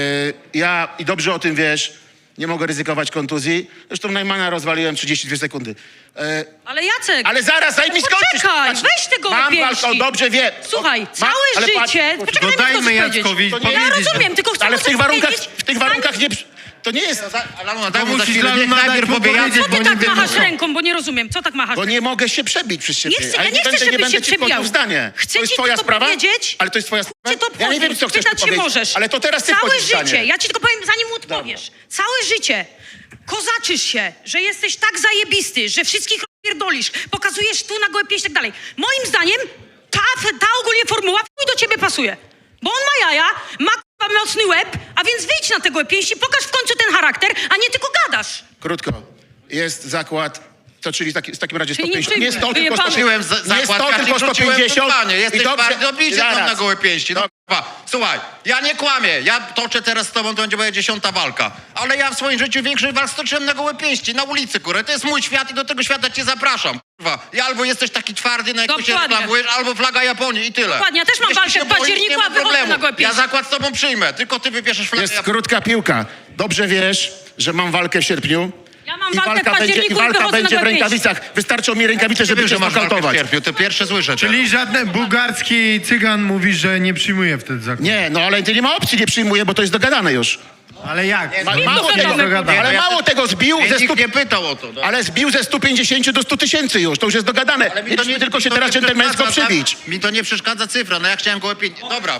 Speaker 10: ja, i dobrze o tym wiesz, nie mogę ryzykować kontuzji. Zresztą Najmana rozwaliłem trzydzieści dwie sekundy. E,
Speaker 5: Ale Jacek,
Speaker 10: ale zaraz, daj mi skończyć.
Speaker 5: poczekaj,
Speaker 10: Patrz,
Speaker 5: weź te gołe
Speaker 10: mam
Speaker 5: pięści.
Speaker 10: walkę, dobrze wie.
Speaker 5: Słuchaj,
Speaker 10: Ma-
Speaker 5: całe
Speaker 10: ale patrz,
Speaker 5: życie...
Speaker 10: poczekaj,
Speaker 5: Poczekaj,
Speaker 3: No
Speaker 5: daj mi
Speaker 3: dajmy
Speaker 5: to
Speaker 3: Jackowi
Speaker 5: powiedzieć.
Speaker 3: powiedzieć.
Speaker 5: Ja rozumiem, tylko chcę
Speaker 10: ale w tych
Speaker 5: coś
Speaker 10: warunkach,
Speaker 5: powiedzieć.
Speaker 10: w tych warunkach nie... To nie jest...
Speaker 7: Laluna, daj
Speaker 3: To
Speaker 7: mu za
Speaker 3: musisz,
Speaker 7: chwilę, niech
Speaker 3: Laluna,
Speaker 7: najpierw
Speaker 3: dać mu
Speaker 7: powie Jacek.
Speaker 3: powiedzieć,
Speaker 5: Co ty
Speaker 3: bo nie
Speaker 5: tak
Speaker 3: wiem,
Speaker 5: machasz
Speaker 3: co.
Speaker 5: ręką, bo nie rozumiem. Co tak machasz
Speaker 10: Bo
Speaker 5: ręką?
Speaker 10: nie mogę się przebić przez ciebie.
Speaker 5: Nie chcę,
Speaker 10: Ale
Speaker 5: ja nie chcę,
Speaker 10: będę,
Speaker 5: żebyś
Speaker 10: będę
Speaker 5: się
Speaker 10: ci wchodził
Speaker 5: przebijał.
Speaker 10: w zdanie.
Speaker 5: Chcę
Speaker 10: to jest
Speaker 5: ci
Speaker 10: twoja
Speaker 5: tylko
Speaker 10: sprawa?
Speaker 5: powiedzieć-
Speaker 10: Ale to jest twoja sprawa?
Speaker 5: Cię to
Speaker 10: Ja nie wiem,
Speaker 5: obchodzi.
Speaker 10: co chcesz
Speaker 5: Pytać
Speaker 10: tu
Speaker 5: się
Speaker 10: powiedzieć.
Speaker 5: możesz.
Speaker 10: Ale to teraz ty
Speaker 5: Całe
Speaker 10: wchodzisz w
Speaker 5: życie,
Speaker 10: zdanie.
Speaker 5: ja ci tylko powiem, zanim mu odpowiesz. Całe życie kozaczysz się, że jesteś tak zajebisty, że wszystkich pierdolisz, pokazujesz tu na gołe pięść i tak dalej. Moim zdaniem ta, ta ogólnie formuła w chuj do ciebie pasuje. Bo on ma jaja, ma kurwa mocny łeb, a więc wyjdź na te gołe pięści, pokaż w końcu ten charakter, a nie tylko gadasz.
Speaker 10: Krótko. Jest zakład To czyli taki, w takim razie
Speaker 5: Czyli
Speaker 10: sto pięćdziesiąt.
Speaker 5: nie
Speaker 10: Nie sto,
Speaker 5: przyjmuje.
Speaker 10: tylko sto
Speaker 5: Wyjebane.
Speaker 10: pięćdziesiąt.
Speaker 7: Wziąłem
Speaker 10: Nie sto,
Speaker 7: zakład,
Speaker 10: tylko sto
Speaker 7: wrzuciłem
Speaker 10: pięćdziesiąt.
Speaker 7: Panie, jesteś
Speaker 10: I dobrze-
Speaker 7: twardy, obijcie tam
Speaker 10: Zaraz.
Speaker 7: na gołe pięści. No, kurwa. Słuchaj, ja nie kłamię, ja toczę teraz z tobą, to będzie moja dziesiąta walka. Ale ja w swoim życiu większość walk stoczyłem na gołe pięści, na ulicy, kurwa. To jest mój świat i do tego świata cię zapraszam, kurwa. I albo jesteś taki twardy, na jakiego się
Speaker 5: Dokładnie.
Speaker 7: reklamujesz, albo flaga Japonii i tyle.
Speaker 5: Dokładnie, ja też mam
Speaker 7: Jeśli
Speaker 5: walkę
Speaker 7: się
Speaker 5: w październiku,
Speaker 7: boisz, nie
Speaker 5: a
Speaker 7: ma
Speaker 5: wychodzę
Speaker 7: problemu.
Speaker 5: na gołe
Speaker 7: Ja
Speaker 5: pięści.
Speaker 7: zakład z tobą przyjmę, tylko ty wybierzesz flagę
Speaker 10: Jest
Speaker 7: Japonii.
Speaker 10: krótka piłka. Dobrze wiesz, że mam walkę w sierpniu.
Speaker 5: Ja mam
Speaker 10: I
Speaker 5: walkę w
Speaker 10: walka będzie,
Speaker 5: październiku
Speaker 10: i
Speaker 5: i
Speaker 10: walka
Speaker 5: wychodzę na
Speaker 10: będzie w
Speaker 5: gołe pięści.
Speaker 10: rękawicach. Wystarczą mi rękawice, żeby
Speaker 7: Wiem,
Speaker 10: cię
Speaker 7: że masz walkę w
Speaker 10: znokautować.
Speaker 7: sierpniu, to pierwsze słyszę.
Speaker 3: Czyli żaden bułgarski cygan mówi, że nie przyjmuje wtedy zakładu.
Speaker 10: Nie, no ale ty nie ma opcji, nie przyjmuje, bo to jest dogadane już.
Speaker 3: Ale jak?
Speaker 10: Ma,
Speaker 5: Nie,
Speaker 10: mało,
Speaker 5: to
Speaker 10: tego,
Speaker 5: dogadane.
Speaker 10: ale
Speaker 7: Ja-
Speaker 10: mało tego zbił
Speaker 7: Mnie
Speaker 10: ze
Speaker 7: nikt
Speaker 10: stu,
Speaker 7: nie pytał o to. No.
Speaker 10: ale zbił ze stu pięćdziesięciu do stu tysięcy już, to już jest dogadane.
Speaker 7: Ale mi
Speaker 10: Mieliśmy tylko
Speaker 7: mi
Speaker 10: się
Speaker 7: to
Speaker 10: teraz
Speaker 7: nie
Speaker 10: dżentelmeńsko
Speaker 7: przeszkadza,
Speaker 10: przybić.
Speaker 7: Mi to nie przeszkadza cyfra, no ja chciałem gołe pięści. Dobra,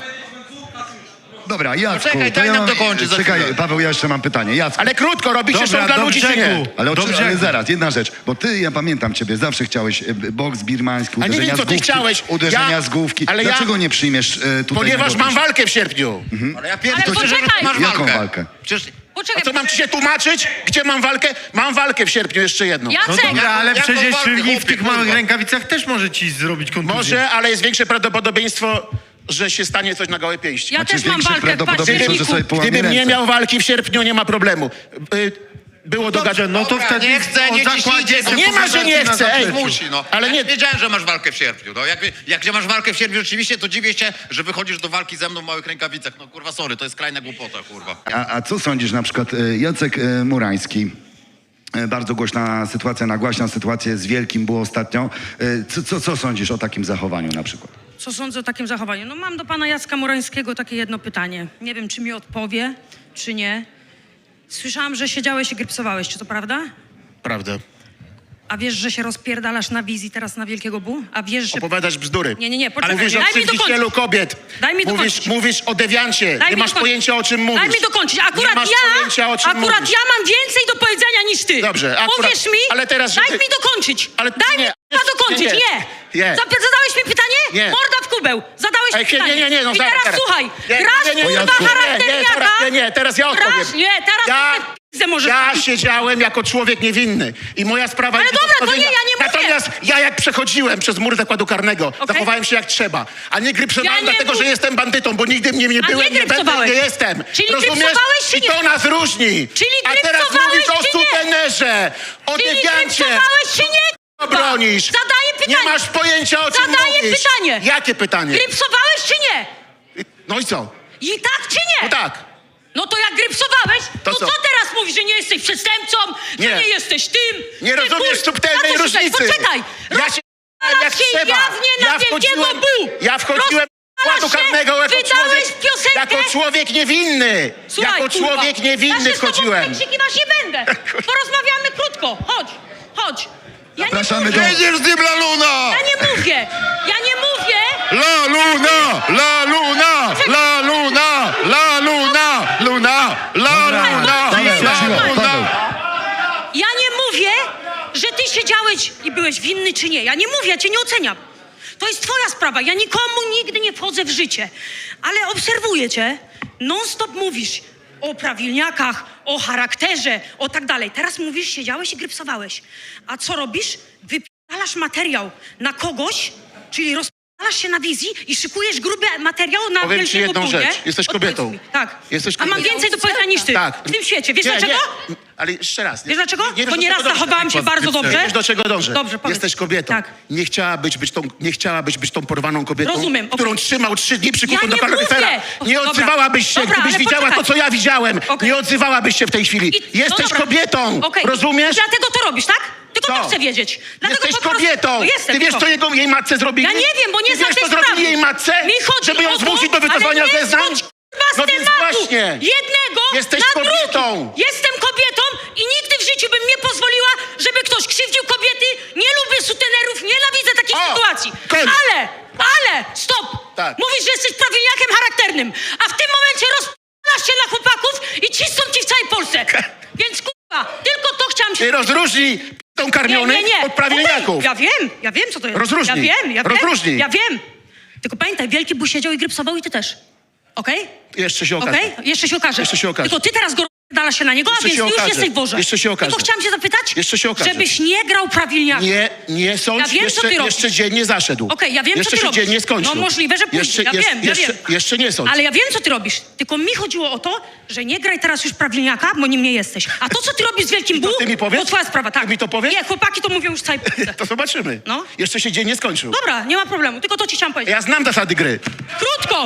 Speaker 2: Dobra, Jacku,
Speaker 7: czekaj,
Speaker 2: to
Speaker 7: daj
Speaker 2: ja
Speaker 7: nam
Speaker 2: mam,
Speaker 7: dokończyć za
Speaker 2: Czekaj,
Speaker 7: chwilę.
Speaker 2: Paweł, ja jeszcze mam pytanie. Jacku,
Speaker 10: Ale krótko, robicie
Speaker 3: Dobra,
Speaker 10: show dla
Speaker 3: do
Speaker 10: ludzi czy nie?
Speaker 3: brzegu.
Speaker 2: ale,
Speaker 3: Do
Speaker 2: oczy,
Speaker 3: brzegu.
Speaker 2: ale zaraz, jedna rzecz, bo ty, ja pamiętam ciebie, zawsze chciałeś e, boks birmański,
Speaker 10: A nie
Speaker 2: uderzenia
Speaker 10: wiem, co
Speaker 2: z
Speaker 10: ty
Speaker 2: główki,
Speaker 10: chciałeś.
Speaker 2: uderzenia
Speaker 10: Ja-
Speaker 2: z główki.
Speaker 10: ale ja-
Speaker 2: Dlaczego nie przyjmiesz e, tutaj
Speaker 10: Ponieważ
Speaker 2: na
Speaker 10: mam
Speaker 2: gołe
Speaker 10: walkę w sierpniu.
Speaker 7: ale ja
Speaker 5: Ale
Speaker 7: pierdolę, że
Speaker 5: poczekaj.
Speaker 7: masz
Speaker 2: Jaką
Speaker 7: walkę.
Speaker 2: walkę?
Speaker 7: Przecież
Speaker 10: A
Speaker 5: Poczekaj,
Speaker 10: co, mam ci się tłumaczyć? Gdzie mam walkę? Mam walkę w sierpniu, jeszcze jedną.
Speaker 3: No
Speaker 5: Jacek,
Speaker 3: dobra, ale
Speaker 7: Jaką
Speaker 3: przecież
Speaker 7: walkę,
Speaker 3: i w
Speaker 7: chłopie,
Speaker 3: tych małych
Speaker 7: kurwa?
Speaker 3: rękawicach też może ci zrobić kontuzję.
Speaker 10: Może, ale jest większe prawdopodobieństwo, że się stanie coś na gołe pięści.
Speaker 5: ja
Speaker 2: Znaczy
Speaker 5: też mam
Speaker 2: większe
Speaker 5: walkę w
Speaker 2: prawdopodobieństwo, że
Speaker 5: październiku.
Speaker 2: sobie połamie
Speaker 10: Gdybym nie
Speaker 2: ręce.
Speaker 10: miał walki w sierpniu, nie ma problemu. Y, Było
Speaker 3: Dobrze,
Speaker 10: dogadane.
Speaker 3: no to
Speaker 7: Dobra,
Speaker 3: wtedy
Speaker 7: nie chcę,
Speaker 3: o
Speaker 7: nie
Speaker 3: zakładzie
Speaker 7: ciśnijcie go.
Speaker 10: Nie ma, że nie
Speaker 3: na
Speaker 10: chcę, ej.
Speaker 3: zapleczu.
Speaker 7: musi, no.
Speaker 10: Ale
Speaker 7: Ale
Speaker 10: nie-
Speaker 7: nie wiedziałem, że masz walkę w sierpniu. No, jak, jak nie masz walkę w sierpniu rzeczywiście, to dziwię się, że wychodzisz do walki ze mną w małych rękawicach. No kurwa, sorry, to jest skrajna głupota, kurwa.
Speaker 2: A, a co sądzisz na przykład e, Jacek e, Murański? E, Bardzo głośna sytuacja, nagłaśna sytuację z Wielkim było ostatnio. E, Co, co, co sądzisz o takim zachowaniu na przykład?
Speaker 5: Co sądzę o takim zachowaniu? No mam do pana Jacka Murańskiego takie jedno pytanie. Nie wiem, czy mi odpowie, czy nie. Słyszałam, że siedziałeś i grypsowałeś, czy to prawda?
Speaker 10: Prawda.
Speaker 5: A wiesz, że się rozpierdalasz na wizji teraz na Wielkiego Bu? A wiesz, że...
Speaker 10: Opowiadasz bzdury.
Speaker 5: Nie, nie, nie, poczekaj.
Speaker 10: Mówisz o
Speaker 5: Daj mi
Speaker 10: krzywdzicielu
Speaker 5: dokończyć.
Speaker 10: kobiet.
Speaker 5: Daj mi
Speaker 10: mówisz,
Speaker 5: dokończyć.
Speaker 10: mówisz o dewiancie.
Speaker 5: Daj
Speaker 10: nie
Speaker 5: mi
Speaker 10: masz
Speaker 5: dokończyć.
Speaker 10: pojęcia, o czym mówisz.
Speaker 5: Daj mi dokończyć. Akurat
Speaker 10: nie masz
Speaker 5: ja,
Speaker 10: pojęcia, o czym
Speaker 5: akurat
Speaker 10: mówisz.
Speaker 5: ja mam więcej do powiedzenia niż ty.
Speaker 10: Dobrze, akurat-
Speaker 5: Powiesz mi,
Speaker 10: ale teraz,
Speaker 5: daj
Speaker 10: żeby-
Speaker 5: mi dokończyć.
Speaker 10: Ale-
Speaker 5: daj
Speaker 10: nie,
Speaker 5: mi kurwa, dokończyć.
Speaker 10: nie,
Speaker 5: Nie.
Speaker 10: nie. Nie.
Speaker 5: Zap- Zadałeś mi pytanie?
Speaker 10: Nie.
Speaker 5: Morda w kubeł. Zadałeś
Speaker 10: Ej,
Speaker 5: mi
Speaker 10: nie,
Speaker 5: pytanie.
Speaker 10: nie, nie, no
Speaker 5: I
Speaker 10: zaraz,
Speaker 5: teraz
Speaker 10: zaraz.
Speaker 5: słuchaj.
Speaker 10: Nie,
Speaker 5: Grasz
Speaker 10: nie, nie,
Speaker 5: kurwa
Speaker 2: Jacku.
Speaker 5: charakterniaka.
Speaker 10: Nie, nie, nie, teraz ja odpowiem.
Speaker 5: Grasz? Nie, teraz
Speaker 10: Ja-
Speaker 5: ja... ty możesz...
Speaker 10: Ja siedziałem jako człowiek niewinny i moja sprawa
Speaker 5: Ale
Speaker 10: jest do
Speaker 5: dobra, to
Speaker 10: rozpoznania.
Speaker 5: nie, ja nie mówię.
Speaker 10: Natomiast ja jak przechodziłem przez mur zakładu karnego, zachowałem się jak trzeba, a nie grypsowałem
Speaker 5: Ja nie
Speaker 10: dlatego,
Speaker 5: mów-
Speaker 10: że jestem bandytą, bo nigdy mnie nie
Speaker 5: A
Speaker 10: byłem,
Speaker 5: nie
Speaker 10: nie będę,
Speaker 5: grypsowałeś.
Speaker 10: nie jestem.
Speaker 5: Czyli
Speaker 10: Rozumiesz?
Speaker 5: grypsowałeś czy
Speaker 10: I
Speaker 5: nie?
Speaker 10: to nas różni.
Speaker 5: Czyli
Speaker 10: A teraz
Speaker 5: grypsowałeś
Speaker 10: mówisz o
Speaker 5: czy nie?
Speaker 10: sutenerze, o
Speaker 5: Czyli
Speaker 10: dewiancie.
Speaker 5: grypsowałeś czy nie?
Speaker 10: Co bronisz?
Speaker 5: Zadaję pytanie.
Speaker 10: Nie masz pojęcia, o czym
Speaker 5: Zadaję
Speaker 10: mówisz.
Speaker 5: pytanie.
Speaker 10: Jakie pytanie?
Speaker 5: Grypsowałeś czy nie?
Speaker 10: No i co?
Speaker 5: I tak czy nie?
Speaker 10: No tak.
Speaker 5: No to jak grypsowałeś,
Speaker 10: To
Speaker 5: to,
Speaker 10: co?
Speaker 5: co teraz mówisz, że nie jesteś przestępcą,
Speaker 10: Nie.
Speaker 5: że nie jesteś tym?
Speaker 10: Nie
Speaker 5: Ty,
Speaker 10: rozumiesz
Speaker 5: kur-
Speaker 10: subtelnej
Speaker 5: na co się-
Speaker 10: różnicy.
Speaker 5: Poczekaj,
Speaker 10: Ja się jak
Speaker 5: się
Speaker 10: trzeba.
Speaker 5: jawnie na
Speaker 10: Ja
Speaker 5: Wielkiego
Speaker 10: wchodziłem,
Speaker 5: Bu.
Speaker 10: ja wchodziłem do
Speaker 5: Rozpalasz
Speaker 10: składu
Speaker 5: się,
Speaker 10: karnego jako
Speaker 5: wydałeś
Speaker 10: człowiek,
Speaker 5: piosenkę.
Speaker 10: jako człowiek niewinny.
Speaker 5: Słuchaj,
Speaker 10: jako
Speaker 5: kurwa,
Speaker 10: człowiek niewinny
Speaker 5: ja się
Speaker 10: wchodziłem.
Speaker 5: z tobą przekrzykiwać nie będę. Porozmawiamy krótko. Chodź, chodź. Ja nie
Speaker 2: Zapraszamy
Speaker 5: mówię.
Speaker 2: do-
Speaker 7: Jedziesz z nim la luna!
Speaker 5: Ja nie mówię. Ja nie mówię.
Speaker 7: La luna! La luna! La luna! La luna! Luna! La luna!
Speaker 2: Paweł,
Speaker 7: La
Speaker 2: cicho, Paweł.
Speaker 7: luna!
Speaker 5: Ja nie mówię, że ty siedziałeś i byłeś winny czy nie. Ja nie mówię, ja cię nie oceniam. To jest twoja sprawa. Ja nikomu nigdy nie wchodzę w życie. Ale obserwuję cię. Non-stop mówisz o prawilniakach, o charakterze, o tak dalej. Teraz mówisz, siedziałeś i grypsowałeś. A co robisz? Wypierdalasz materiał na kogoś, czyli rozpalasz się na wizji i szykujesz gruby materiał na
Speaker 10: Powiem ci
Speaker 5: Wielkiego
Speaker 10: jedną
Speaker 5: Bu,
Speaker 10: rzecz.
Speaker 5: nie?
Speaker 10: Jesteś
Speaker 5: Odpowiedz
Speaker 10: kobietą.
Speaker 5: mi. Tak.
Speaker 10: Jesteś
Speaker 5: A mam
Speaker 10: kobietą.
Speaker 5: więcej do powiedzenia niż ty.
Speaker 10: Tak.
Speaker 5: W tym świecie. Wiesz
Speaker 10: Nie,
Speaker 5: dlaczego?
Speaker 10: Nie. Ale jeszcze raz.
Speaker 5: Wiesz dlaczego?
Speaker 10: Nie, nie
Speaker 5: Bo
Speaker 10: wiesz, do
Speaker 5: nieraz
Speaker 10: czego dążę.
Speaker 5: zachowałam się bardzo dobrze.
Speaker 10: Wiesz, do czego dążę.
Speaker 5: Dobrze, powiedz.
Speaker 10: Jesteś kobietą.
Speaker 5: Tak.
Speaker 10: Nie chciałabyś być tą, nie chciałabyś być tą porwaną kobietą,
Speaker 5: Rozumiem, okej.
Speaker 10: którą trzymał trzy dni przykutą
Speaker 5: Ja
Speaker 10: do
Speaker 5: nie
Speaker 10: kaloryfera.
Speaker 5: mówię.
Speaker 10: Nie
Speaker 5: Dobra.
Speaker 10: odzywałabyś się,
Speaker 5: Dobra,
Speaker 10: gdybyś
Speaker 5: ale
Speaker 10: widziała
Speaker 5: poczekaj.
Speaker 10: to, co ja widziałem.
Speaker 5: Okej.
Speaker 10: Nie odzywałabyś się w tej chwili.
Speaker 5: I-
Speaker 10: Jesteś
Speaker 5: no dobra.
Speaker 10: kobietą.
Speaker 5: Okej.
Speaker 10: Rozumiesz?
Speaker 5: Dlatego to robisz, tak? Tylko
Speaker 10: Co?
Speaker 5: to chcę wiedzieć. Dlatego
Speaker 10: Jesteś
Speaker 5: po prostu-
Speaker 10: kobietą.
Speaker 5: No jestem,
Speaker 10: Ty wiesz,
Speaker 5: tylko.
Speaker 10: co jego, jej matce zrobili?
Speaker 5: Ja nie wiem, bo nie
Speaker 10: Ty
Speaker 5: znam
Speaker 10: wiesz,
Speaker 5: tej
Speaker 10: co zrobili
Speaker 5: sprawy.
Speaker 10: jej matce?
Speaker 5: Mi chodzi
Speaker 10: Żeby ją
Speaker 5: o to,
Speaker 10: zmusić do wycofania
Speaker 5: ale nie
Speaker 10: zeznań?
Speaker 5: zrzuć, kurwa, z
Speaker 10: No więc
Speaker 5: tematu
Speaker 10: właśnie.
Speaker 5: jednego
Speaker 10: Jesteś
Speaker 5: na
Speaker 10: kobietą.
Speaker 5: drugi. Jestem kobietą i nigdy w życiu bym nie pozwoliła, żeby ktoś krzywdził kobiety. Nie lubię sutenerów, nienawidzę takich
Speaker 10: O,
Speaker 5: sytuacji.
Speaker 10: koniec.
Speaker 5: Ale, ale, stop.
Speaker 10: Tak.
Speaker 5: Mówisz, że jesteś prawilniakiem charakternym, a w tym momencie rozpalasz się na chłopaków i cisną ci w całej Polsce. Więc kurwa, tylko to chciałam się...
Speaker 10: Ty rozróżnij tą karmiony
Speaker 5: Nie, nie, nie.
Speaker 10: od prawilniaków.
Speaker 5: Okej, Ja wiem, ja wiem, co to jest.
Speaker 10: Rozróżnij.
Speaker 5: Ja wiem, ja wiem.
Speaker 10: Rozróżnij.
Speaker 5: Ja wiem. Tylko pamiętaj, Wielki Bu siedział i grypsował i ty też. Okej?
Speaker 10: Jeszcze się okaże.
Speaker 5: Okej? Jeszcze się okaże.
Speaker 10: Jeszcze się okaże.
Speaker 5: Tylko ty teraz go dala się na niego, a
Speaker 10: Jeszcze
Speaker 5: więc
Speaker 10: się
Speaker 5: ty już
Speaker 10: okaże.
Speaker 5: jesteś w worze.
Speaker 10: Jeszcze się okaże.
Speaker 5: Tylko chciałam cię zapytać,
Speaker 10: Jeszcze się okaże.
Speaker 5: żebyś nie grał prawilniaka.
Speaker 10: Nie, nie sądź,
Speaker 5: Ja wiem, co
Speaker 10: jeszcze,
Speaker 5: ty robisz.
Speaker 10: jeszcze dzień nie zaszedł.
Speaker 5: Okej, ja wiem, co
Speaker 10: jeszcze
Speaker 5: ty
Speaker 10: się
Speaker 5: robisz.
Speaker 10: dzień nie skończył.
Speaker 5: No możliwe, że pójdzie.
Speaker 10: Jeszcze,
Speaker 5: Ja
Speaker 10: jeszcze,
Speaker 5: wiem, ja
Speaker 10: jeszcze,
Speaker 5: wiem.
Speaker 10: jeszcze nie sądź.
Speaker 5: Ale ja wiem, co ty robisz. Tylko mi chodziło o to, że nie graj teraz już prawilniaka, bo nim nie jesteś. A to, co ty robisz z Wielkim
Speaker 10: I to
Speaker 5: Bu,
Speaker 10: ty mi powiesz?
Speaker 5: to twoja sprawa, tak.
Speaker 10: Ty mi to powiesz?
Speaker 5: Nie, chłopaki to mówią już całej Polsce.
Speaker 10: To zobaczymy.
Speaker 5: No.
Speaker 10: Jeszcze się dzień nie skończył.
Speaker 5: Dobra, nie ma problemu, tylko to ci chciałam powiedzieć.
Speaker 10: Ja znam zasady gry.
Speaker 5: Krótko!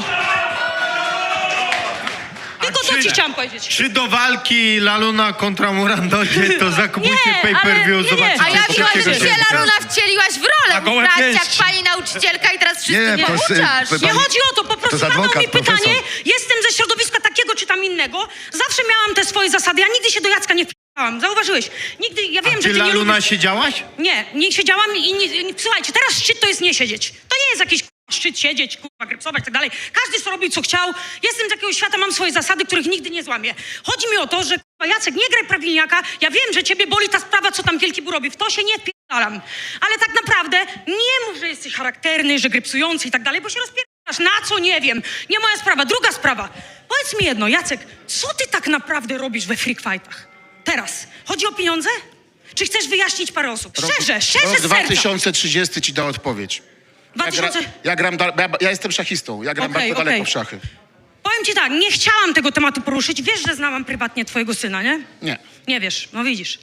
Speaker 5: Tylko to
Speaker 3: czy-
Speaker 5: ci chciałam powiedzieć.
Speaker 3: Czy do walki Laluna kontra Muran dojdzie, to zakupujcie
Speaker 5: Nie,
Speaker 3: pay-per-view,
Speaker 5: ale nie,
Speaker 3: zobaczycie
Speaker 8: A ja
Speaker 3: trzeciego
Speaker 8: widziałam, że się
Speaker 3: sierpnia.
Speaker 8: Laluna wcieliłaś w rolę.
Speaker 6: Na gołe
Speaker 8: Brać jak
Speaker 6: pięści.
Speaker 8: pani nauczycielka i teraz wszyscy
Speaker 2: Nie,
Speaker 8: nie,
Speaker 2: to jest,
Speaker 8: pouczasz.
Speaker 2: y,
Speaker 5: Nie
Speaker 2: Pani-
Speaker 5: chodzi o to, po prostu
Speaker 2: jest
Speaker 5: zadał
Speaker 2: adwokat,
Speaker 5: mi pytanie,
Speaker 2: profesor.
Speaker 5: jestem ze środowiska takiego czy tam innego, zawsze miałam te swoje zasady, ja nigdy się do Jacka nie wpierałam, zauważyłeś? Nigdy, ja wiem,
Speaker 3: A
Speaker 5: że
Speaker 3: ty
Speaker 5: ty nie
Speaker 3: Laluna
Speaker 5: lubisz...
Speaker 3: siedziałaś?
Speaker 5: Nie, nie siedziałam i nie, nie, słuchajcie, teraz szczyt to jest nie siedzieć. To nie jest jakiś kurwa, szczyt siedzieć, kurwa, grypsować i tak dalej. Każdy sobie robi co chciał. Jestem z jakiegoś świata, mam swoje zasady, których nigdy nie złamię. Chodzi mi o to, że kurwa, Jacek, nie graj prawilniaka. Ja wiem, że ciebie boli ta sprawa, co tam Wielki Bu robi. W to się nie wpierdalam. Ale tak naprawdę nie mów, że jesteś charakterny, że grypsujący i tak dalej, bo się rozpierasz. Na co? Nie wiem. Nie moja sprawa. Druga sprawa. Powiedz mi jedno, Jacek, co ty tak naprawdę robisz we freak fightach? Teraz. Chodzi o pieniądze? Czy chcesz wyjaśnić parę osób? Szczerze, szczerze
Speaker 10: Rok
Speaker 5: z serca.
Speaker 10: dwa tysiące trzydziesty ci da odpowiedź. Ja, gra,
Speaker 5: 2000...
Speaker 10: ja, gram, da, ja, ja jestem szachistą. Ja gram
Speaker 5: Okej,
Speaker 10: bardzo
Speaker 5: okej.
Speaker 10: daleko w szachy.
Speaker 5: Powiem ci tak, nie chciałam tego tematu poruszyć. Wiesz, że znałam prywatnie twojego syna, nie?
Speaker 10: Nie.
Speaker 5: Nie wiesz, no widzisz.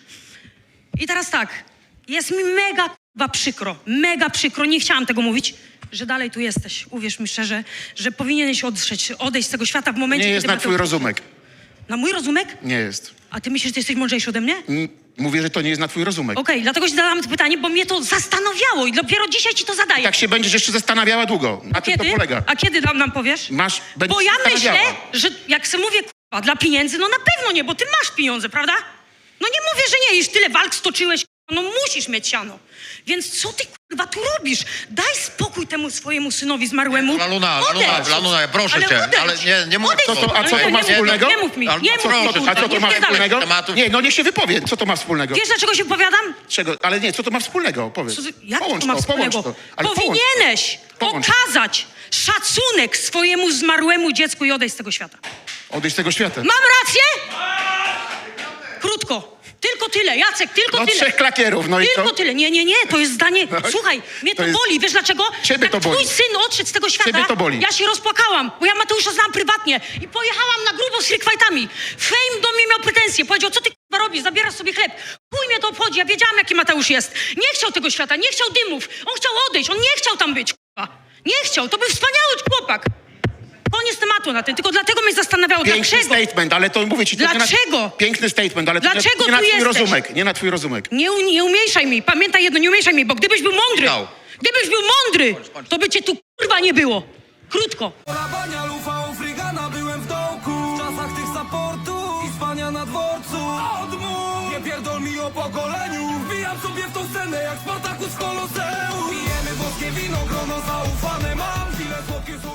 Speaker 5: I teraz tak, jest mi mega k***wa przykro, mega przykro, nie chciałam tego mówić, że dalej tu jesteś. Uwierz mi szczerze, że powinieneś odejść, odejść z tego świata w momencie,
Speaker 10: Nie jest
Speaker 5: kiedy...
Speaker 10: na twój rozumek.
Speaker 5: Na mój rozumek?
Speaker 10: Nie jest.
Speaker 5: A ty myślisz, że ty jesteś mądrzejszy ode mnie?
Speaker 10: M- Mówię, że to nie jest na twój rozumek.
Speaker 5: Okej, dlatego ci zadałam to pytanie, bo mnie to zastanawiało i dopiero dzisiaj ci to zadaję.
Speaker 10: Tak się będziesz jeszcze zastanawiała długo. Na tym to
Speaker 5: Kiedy?
Speaker 10: polega.
Speaker 5: A kiedy nam, nam powiesz?
Speaker 10: Masz, będziesz
Speaker 5: Bo ja myślę,
Speaker 10: zastanawiała.
Speaker 5: że jak se mówię k***a, dla pieniędzy, no na pewno nie, bo ty masz pieniądze, prawda? No nie mówię, że nie, już tyle walk stoczyłeś, k***a, no musisz mieć siano. Więc co ty k***a tu robisz? Daj spokój temu swojemu synowi zmarłemu.
Speaker 7: Laluna, Laluna,
Speaker 5: Odejdź.
Speaker 7: Laluna, proszę
Speaker 5: Ale
Speaker 7: cię,
Speaker 5: odejdź.
Speaker 7: ale nie, nie mów...
Speaker 5: Odejdź.
Speaker 10: Co to- a co to
Speaker 5: Ale
Speaker 10: ma
Speaker 5: nie mów-
Speaker 10: wspólnego?
Speaker 5: Nie mów mi,
Speaker 7: Ale
Speaker 5: nie
Speaker 7: co-
Speaker 5: mów mi.
Speaker 7: proszę,
Speaker 10: A co to
Speaker 5: nie
Speaker 10: ma
Speaker 5: wpierdalaj.
Speaker 10: wspólnego?
Speaker 7: tematów.
Speaker 10: Nie, no niech się wypowie. Co to ma wspólnego?
Speaker 5: Wiesz, dlaczego się wypowiadam?
Speaker 10: Czego? Ale nie, co to ma wspólnego? Powiedz.
Speaker 5: Co, ty- jak
Speaker 10: połącz
Speaker 5: to ma
Speaker 10: to, połącz
Speaker 5: wspólnego?
Speaker 10: to. Ale połącz to.
Speaker 5: Powinieneś
Speaker 10: Połącz.
Speaker 5: okazać szacunek swojemu zmarłemu dziecku i odejść z tego świata.
Speaker 10: Odejść z tego świata.
Speaker 5: Mam rację? Krótko. Tylko tyle, Jacek, tylko
Speaker 10: No
Speaker 5: tyle.
Speaker 10: trzech klakierów, no i
Speaker 5: Tylko
Speaker 10: co?
Speaker 5: tyle. Nie, nie, nie, to jest zdanie... Słuchaj, mnie to,
Speaker 10: to jest-
Speaker 5: boli, wiesz dlaczego?
Speaker 10: Ciebie
Speaker 5: Jak
Speaker 10: to boli.
Speaker 5: twój syn odszedł z tego świata,
Speaker 10: Ciebie to boli.
Speaker 5: ja się rozpłakałam, bo ja Mateusza znam prywatnie i pojechałam na grubo z freak fightami. Fame do mnie miał pretensje, powiedział, co ty k***a robisz, zabierasz sobie chleb. Chuj mnie to obchodzi, ja wiedziałam, jaki Mateusz jest. Nie chciał tego świata, nie chciał dymów, on chciał odejść, on nie chciał tam być, k***a. Nie chciał, to był wspaniały chłopak. Koniec tematu na tym, tylko dlatego mnie zastanawiało,
Speaker 10: Piękny
Speaker 5: dlaczego.
Speaker 10: statement, ale to mówię ci... To nie
Speaker 5: Dlaczego?
Speaker 10: na, piękny statement, ale to
Speaker 5: Dlaczego
Speaker 10: nie, nie na
Speaker 5: tu
Speaker 10: twój
Speaker 5: jesteś?
Speaker 10: rozumek. Nie na twój rozumek.
Speaker 5: Nie, u- nie umieszaj mi, pamiętaj jedno, nie umieszaj mi, bo gdybyś był mądry,
Speaker 7: Michał.
Speaker 5: gdybyś był mądry, to by cię tu kurwa nie było. Krótko.
Speaker 11: Rabania, lufa, frigana, byłem w dołku. W czasach tych supportów i spania na dworcu. Odmów, nie pierdol mi o pokoleniu. Wbijam sobie w tą scenę jak Spartakus w Koloseum. Pijemy boskie wino, grono zaufane mam. Chwilę słodkie słowa.